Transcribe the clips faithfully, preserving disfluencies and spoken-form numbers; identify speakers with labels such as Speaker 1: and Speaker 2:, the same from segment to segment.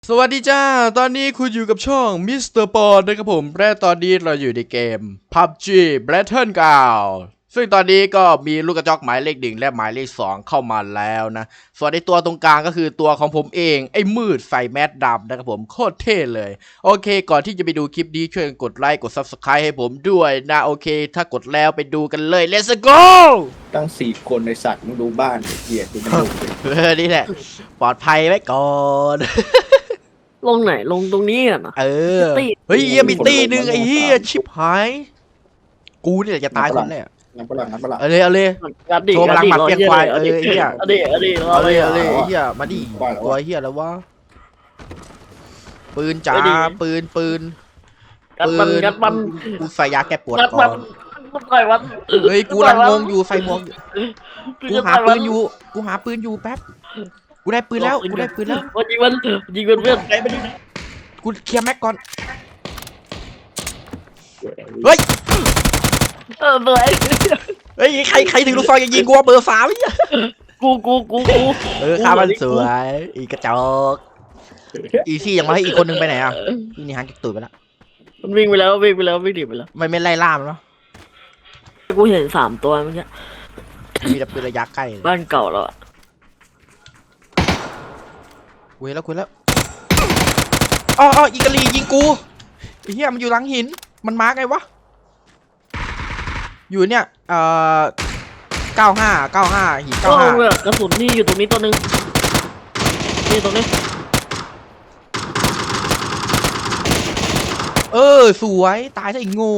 Speaker 1: สวัสดีจ้าตอนนี้คุณอยู่กับช่องมิสเตอร์ปอนนะครับผมและตอนนี้เราอยู่ในเกม พับจี Battleground ซึ่งตอนนี้ก็มีลูกกระจอกหมายเลขหนึ่งและหมายเลขสองเข้ามาแล้วนะส่วนในตัวตรงกลางก็คือตัวของผมเองไอ้มืดใส่แมสดำนะครับผมโคตรเท่เลยโอเคก่อนที่จะไปดูคลิปนี้ช่วยกดไลค์กด ซับสไครบ์ ให้ผมด้วยนะโอเคถ้ากดแล้วไปดูกันเลย let's go
Speaker 2: ตั้งสี่คนในสัตว์มึงดูบ้านเกียดดูมันดูดิ
Speaker 1: เออนี่แหละปลอดภัยไว้ก่อน
Speaker 3: ลงไหนลงตรงนี้อ่ะนะ
Speaker 1: เออ เฮ้ยเฮียมีตีหนึ่งไอ้เฮียชิบหาย กูนี่แหละจะตายคนแรก
Speaker 2: น้ำปลาน้ำปลา
Speaker 1: เอาเลยเอาเลย
Speaker 3: งัดดิ
Speaker 1: โชว์พลังหมัดเพียงควายเออไอ้เหี้ย
Speaker 3: เอาดิเอาดิ
Speaker 1: เอาเลยเอาเลยไอ้เฮียมาดิตัวเฮียแล้ววะปืนจ๋าปืนปืน
Speaker 3: งัดมันงัดมัน
Speaker 1: กูใส่ยาแก้ปวด
Speaker 3: งัด
Speaker 1: ก่
Speaker 3: มั
Speaker 1: อน น
Speaker 3: มันต่อยมัน
Speaker 1: เฮ้ยกูรังงงอยู่ใส่หมวกอยู่กูหาปืนอยู่กูหาปืนอยู่แป๊บกูได้ปืนแล้วกูได้ปืนแล้ว
Speaker 3: มันยิงมันยิงมันเพื่อน
Speaker 1: กูเคลียร์แม็กก่อนเฮ้ย
Speaker 3: เออเหนื่อย
Speaker 1: เฮ้ยใครใครถึงลูกซองยังยิงกูว่าเบอร์สามไอ้เหี้ย
Speaker 3: กูกูกูกู
Speaker 1: เออข้ามันสวยอีกระจอกอีซี่ยังมาให้อีกคนนึงไปไหนอ่ะอีนี่หันกิกตูดไปแล้ว
Speaker 3: มันวิ่งไปแล้ววิ่งไปแล้ววิ่งหนีไปแล้ว
Speaker 1: ไม่ไม่ไล่ล่ามเนาะ
Speaker 3: กูเห็นสามตัวเมื่อกี้
Speaker 1: มีแต่ปืนระยะใกล้
Speaker 3: บ้านเก่าแล้วอ่ะ
Speaker 1: กูเห็นแล้วกูเห็นแล้วอ๋ออ๋ออีกาลียิงกูไอ้เหี้ยมันอยู่หลังหินมันมาร์กไงวะอยู่เนี่ยเอ่อเก้าห้าเก้าห้าหิน
Speaker 3: ก็
Speaker 1: เก้าห้า
Speaker 3: เลยกระสุนนี่อยู่ตรงนี้ตัวหนึ่งนี่ตรงนี้
Speaker 1: เออสวยตายซะอีกโง่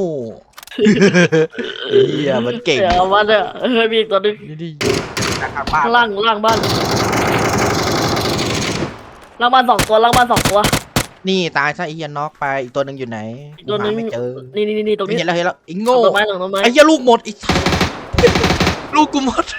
Speaker 1: เหี้ยมันเก่ง
Speaker 3: เดี๋ยวมันเนี่ยเฮ้ยมีอีกตัวหนึ่ง
Speaker 1: นี่ดิข้างบ้าน
Speaker 3: ล่างล่างบ้านล่างบ้านสองตัวล่างบ้านสองตัว
Speaker 1: นี่ตายซะไอ้เหี้ยน็อกไปอีกตัวหนึ่งอยู่ไหน
Speaker 3: อีกตัวหนึ่ง
Speaker 1: หาไม่เจอ
Speaker 3: นี่นี่นี่ตรงนี้
Speaker 1: เห็นแล้วเห็นแล้วไอ้
Speaker 3: หลั
Speaker 1: โง่
Speaker 3: งต้นไม้หลังต้นไม้
Speaker 1: ไอ้เหี้ยลูกหมดไอ้ ลูกกูหมด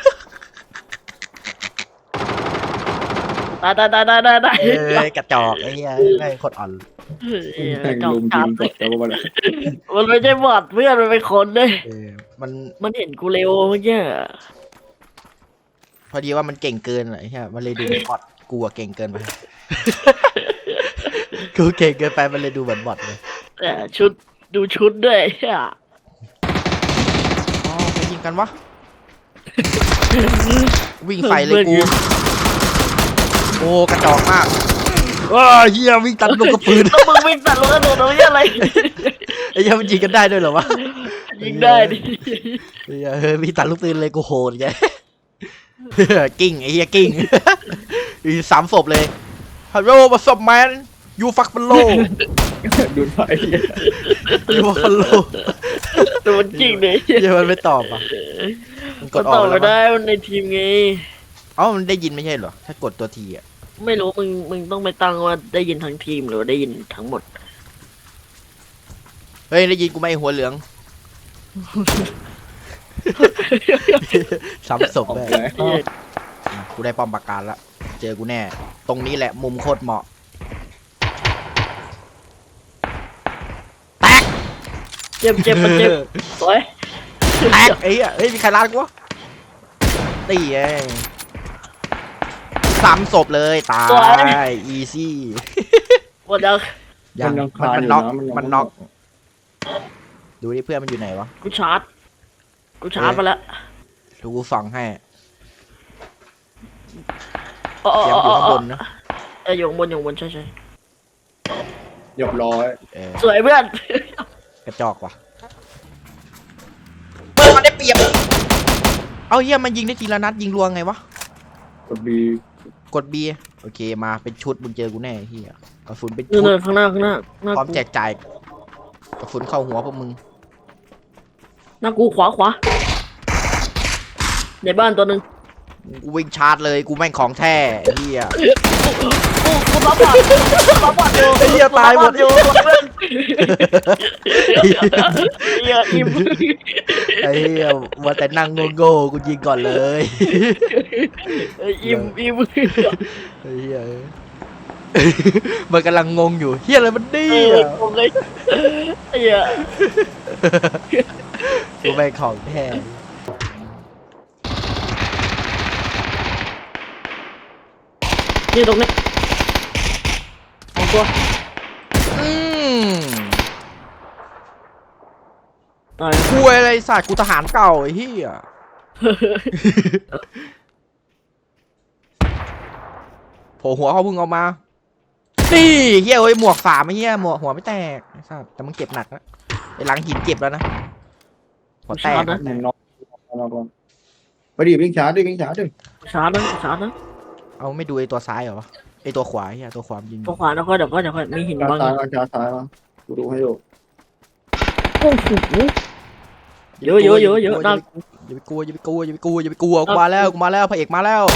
Speaker 3: ตายตายตายตายตายตาย
Speaker 1: เอ้ยกระจอกไอ้เหี้ยไม่โคตรอ่อน
Speaker 3: เฮ้ย
Speaker 2: แม่ง
Speaker 3: จอ
Speaker 2: ลุ
Speaker 3: ม
Speaker 2: ม
Speaker 3: จั
Speaker 2: ยิ
Speaker 3: บ
Speaker 2: งกดแล้วมัน
Speaker 3: มันไม่ใช่บอดเพื่อนมันเป็นคนเลย
Speaker 1: เออมัน
Speaker 3: มันเห็นกูเร็วเมื่อกี้
Speaker 1: พอดีว่ามันเก่งเกินอะไอ้เหี้ยมันเลยดูเหมือนบอทกูอะเก่งเกินไป กูเก่งเกินไปมันเลยดูเหมือนบอทเลย
Speaker 3: แต่ชุดดูชุดด้วยเฮีย
Speaker 1: อ๋อไปยิงกันวะ วิ่งใส่เลยกูโอ้กระจอกมากว้าเฮียวิ่งตัดลูกกระปืน
Speaker 3: ต้องมึงวิ่งตัดลูกกระโดดตรงนี้อะไร
Speaker 1: ไอ้เหี้ยมันยิงกันได้ด้วยเหรอวะ
Speaker 3: ยิงได้ดิ
Speaker 1: ไอ้เหี้ยเฮ้ยวิ่งตัดลูกปืนเลยกูโหดไง กิ้งไอ้เหี้ยกิ้ง อีสามศพเลยฮัลโหลมาศพแมนยูฟักฟัลโล
Speaker 2: ดูไฟ
Speaker 1: ยูฟักฟัลโล
Speaker 3: ตัวมันจริงเลย
Speaker 1: เหี้ยมันไม่ตอบอ่ะมันก
Speaker 3: มั
Speaker 1: ด
Speaker 3: น
Speaker 1: อ
Speaker 3: ต
Speaker 1: อ
Speaker 3: อก บ
Speaker 1: แล้ว
Speaker 3: ไม่
Speaker 1: มั้ง
Speaker 3: ได้มันในทีมไง
Speaker 1: เอ้ามันได้ยินไม่ใช่เหรอถ้ากดตัวทีอ่ะ
Speaker 3: ไม่รู้มึงมึงต้องไปตั้งว่าได้ยินทั้งทีมหรือว่าได้ยินทั้งหมด
Speaker 1: เฮ้ยได้ยินกูไหมหัวเหลือง สามศพ
Speaker 2: ออก
Speaker 1: เลย
Speaker 2: แล้ว
Speaker 1: กูได้ป้อมปราการละเจอกูแน่ ตรงนี้แหละมุมโคตรเหมาะ
Speaker 3: เจ็บเจ็บมันเจ็บสวย
Speaker 1: แตกไอ้เหี้ยเฮ้ยมีใครรัดกูวะตีเองสามศพเลยตายอีซี่
Speaker 3: หมดแล้ว
Speaker 1: ยังมันมันน็อกมันน็อกดูดิเพื่อนมันอยู่ไหนวะ
Speaker 3: กูชาร์จกูชาร์จไปแล้ว
Speaker 1: ดูกูส่องให้
Speaker 3: อ๋อ
Speaker 1: เสียง
Speaker 3: อ๋
Speaker 1: อ
Speaker 3: อยู่
Speaker 1: ข้างบนนะ
Speaker 3: เอออยู่ข้างบนอยู่ข้างบนใช่ใช่
Speaker 2: เรียบร้อย
Speaker 1: เออ
Speaker 3: สวยเพื่อน
Speaker 1: กระจอกว่ะเปิดมาได้เปรียบเอาเหี้ยมันยิงได้ทีละนัดยิงรัวไงวะ
Speaker 2: กดบี
Speaker 1: กด B โอเคมาเป็นชุดมึงเจอกูแน่เฮียกระสุนเป็น
Speaker 3: เนิ
Speaker 1: ชุด
Speaker 3: นข้างหน้าข้างหน้าหน้า
Speaker 1: พร้อม
Speaker 3: กู
Speaker 1: แจกจ่ายกระสุนเข้าหัวพวกมึง
Speaker 3: หน้ากูขวาขวาในบ้านตัวหนึ่ง
Speaker 1: กูวิ่งชาร์จเลยกูแม่งของแท้เฮีย
Speaker 3: กูกูรับบอดรับบอดอยู่
Speaker 1: ไอ้เหี้ยตายหมด
Speaker 3: อยู่เพื่อนเฮียอิ่ม
Speaker 1: ไอ้เฮียว่าแต่นั่งโง่ๆกูยิงก่อนเลย
Speaker 3: อิ่มอิ่ม
Speaker 1: ไอ้เฮียมันกำลังงงอยู่เฮียอะไรมันดี
Speaker 3: เออ
Speaker 1: อ่ะ
Speaker 3: ผมเลยเฮีย
Speaker 1: กูแม่งของแท้
Speaker 3: นี่ตรงนี้
Speaker 1: โอ้
Speaker 3: ตัว
Speaker 1: อืม
Speaker 3: ตาย
Speaker 1: คุยอะไรสัตว์กูทหารเก่าไอ้เหี้ยโผล่หัวเขาเพิ่งเอามานี่เหี้ยเอ้ยหมวกสามไอ้เหี้ยหมวกหัวไม่แตกไอ้สัตว์แต่มันเก็บหนักนะไอ้หลังหินเก็บแล้วนะหัวแตก
Speaker 3: นะ
Speaker 2: มึงนอนนอนนอนไปดิวิ่งช้าดิวิ่งช้าดิ
Speaker 3: ช้านะช้านะ
Speaker 1: เอาไม่ดูไอ้ตัวซ้ายเหรอวะไอ้ตัวขวาไอ้เหี้ยตัวขวามันยิง
Speaker 3: ตัวขวาแล้วก็เดี๋ยวก็เดี๋ยวก็มีหิน
Speaker 2: ช้า
Speaker 3: บาง
Speaker 2: ซ้ายมาช้าซ้ายมากูดูให้ดู
Speaker 3: โอ้โหเยอะเยอะเยอะเยอะน่า
Speaker 1: อย่าไปกลัวอย่าไปกลัวอย่าไปกลัวอย่าไปกลัวกูมาแล้วกูมาแล้วพระเอกมาแล้ว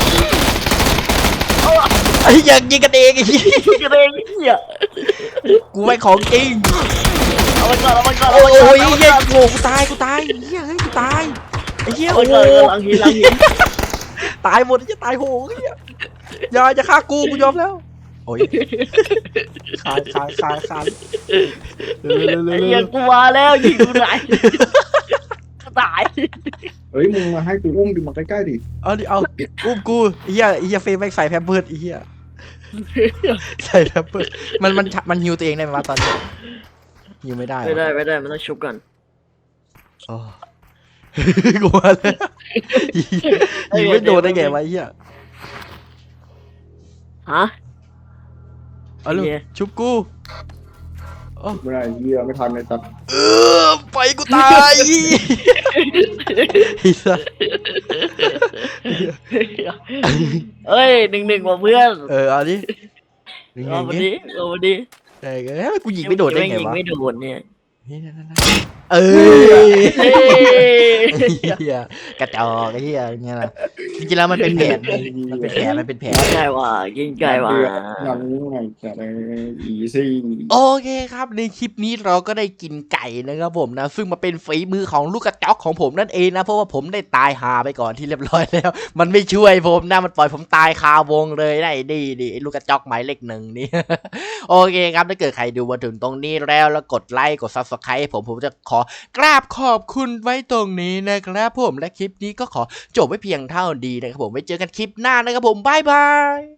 Speaker 1: ไอ้ยังยิงกันเองไอ้เหี้ย
Speaker 3: กระเด้งเหี้ย
Speaker 1: กูไม่ของจริง
Speaker 3: เอาไปก่อนเอาไปก่อน
Speaker 1: โอ้
Speaker 3: เอาไปก่อน
Speaker 1: ย
Speaker 3: เอาไป
Speaker 1: เหี้ย
Speaker 3: ก่อน
Speaker 1: โง่กูตายกูตายเหี้ยเฮ้ยกูตายไอ้เหี้ย
Speaker 3: เอา
Speaker 1: โอ้
Speaker 3: ไป
Speaker 1: โห
Speaker 3: ก่อนหลังหินหลังหิน
Speaker 1: ตายหมดจะตายโหงเหี้ยอย่าจะฆ่ากูกูยอมแล้วโอ้ยคานคานคานคานเร็วเร็ว
Speaker 3: ไอ้
Speaker 1: เร็ว
Speaker 3: เหี้ยกูมาแล้วยิงกูไหนตาย
Speaker 2: เฮ้ยมึงมาให้กูอุ้มดิมาใกล้ๆดิ
Speaker 1: เอาดิเอาอุ้มกูไอ้เหี้ยไอ้เหี้ยเฟรมแม่งใส่แพมเพิร์ดไอ้เหี้ยใส่แพมเพิร์ดมันมันมันฮิวตัวเองได้ไหมวะตอนนี้ฮิวไม่ได้เหรอ
Speaker 3: ไม่ได้ไม่ได้มันต้องชุบก่อน
Speaker 1: โอ้ กูมาแล้วยิงไม่โดนได้ไงวะไอ้เหี้ย
Speaker 3: ฮะ
Speaker 1: เอาลูก
Speaker 3: เหี้ย
Speaker 1: ชุบกู
Speaker 2: ไม่ได้เหี้ยไม่ทันเลยสัตว์
Speaker 1: เออไปกูตายไอ้สัส
Speaker 3: เอ้ยหนึ่งหนึ่งว่ะเพื่อน
Speaker 1: เออเอาดิยังไง
Speaker 3: เอามา
Speaker 1: เนี่ย
Speaker 3: ดิเอามาดิ
Speaker 1: เออกูยิงไม่โดนได้ไง
Speaker 3: ยิง
Speaker 1: วะ
Speaker 3: ไม่โดนเนี่ย
Speaker 1: เออ
Speaker 3: เฮ้ย
Speaker 1: เฮียกระจอกไอ้เฮียเงี้ยล่ะจริงๆแล้วมันเป็นแผนมันเป็นแผนมันเป็นแผน
Speaker 3: ใช่ว่ะยิงไกลว่ะ
Speaker 2: ยังไงแต่ในอีซี่
Speaker 1: โอเคครับในคลิปนี้เราก็ได้กินไก่นะครับผมนะซึ่งมาเป็นฝีมือของลูกกระจอกของผมนั่นเองนะเพราะว่าผมได้ตายหาไปก่อนที่เรียบร้อยแล้ว มันไม่ช่วยผมนะมันปล่อยผมตายคาวงเลยนะไอ้ดีดิไอ้ลูกกระจอกหมายเลขหนึ่งนี่ โอเคครับถ้าเกิดใครดูมาถึงตรงนี้แล้วแล้วกดไลค์กด ซับสไครบ์ ผมผมจะขอกราบขอบคุณไว้ตรงนี้นะครับผมและคลิปนี้ก็ขอจบไว้เพียงเท่านี้นะครับผมไว้เจอกันคลิปหน้านะครับผมบ๊ายบาย